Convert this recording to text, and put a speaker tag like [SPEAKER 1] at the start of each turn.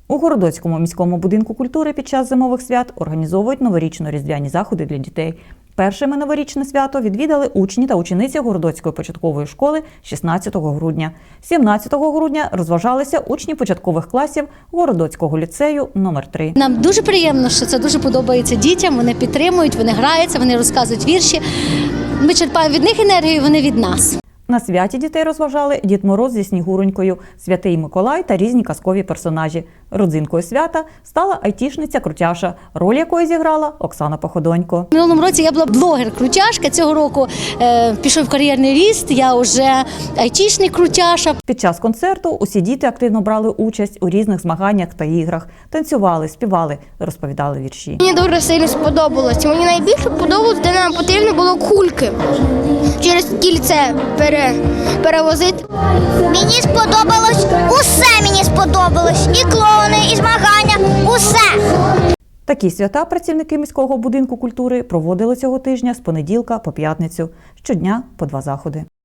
[SPEAKER 1] У Городоцькому міському будинку культури під час зимових свят організовують новорічно-різдвяні заходи для дітей. Першими новорічне свято відвідали учні та учениці Городоцької початкової школи 16 грудня. 17 грудня розважалися учні початкових класів Городоцького ліцею номер 3.
[SPEAKER 2] Нам дуже приємно, що це дуже подобається дітям, вони підтримують, вони граються, вони розказують вірші. Ми черпаємо від них енергію, вони від нас.
[SPEAKER 1] На святі дітей розважали Дід Мороз зі Снігуронькою, Святий Миколай та різні казкові персонажі. Родзинкою свята стала айтішниця Крутяша, роль якої зіграла Оксана Походонько.
[SPEAKER 2] В минулому році я була блогер-крутяшка, цього року пішов кар'єрний ріст, я вже айтішник Крутяша.
[SPEAKER 1] Під час концерту усі діти активно брали участь у різних змаганнях та іграх, танцювали, співали, розповідали вірші.
[SPEAKER 3] Мені дуже сильно сподобалось. Мені найбільше подобалось, де нам потрібно було кульки через кільце перевозити.
[SPEAKER 4] Мені сподобалось усе, мені сподобалось. І клоуни, і змагання, усе.
[SPEAKER 1] Такі свята працівники міського будинку культури проводили цього тижня з понеділка по п'ятницю. Щодня по 2 заходи.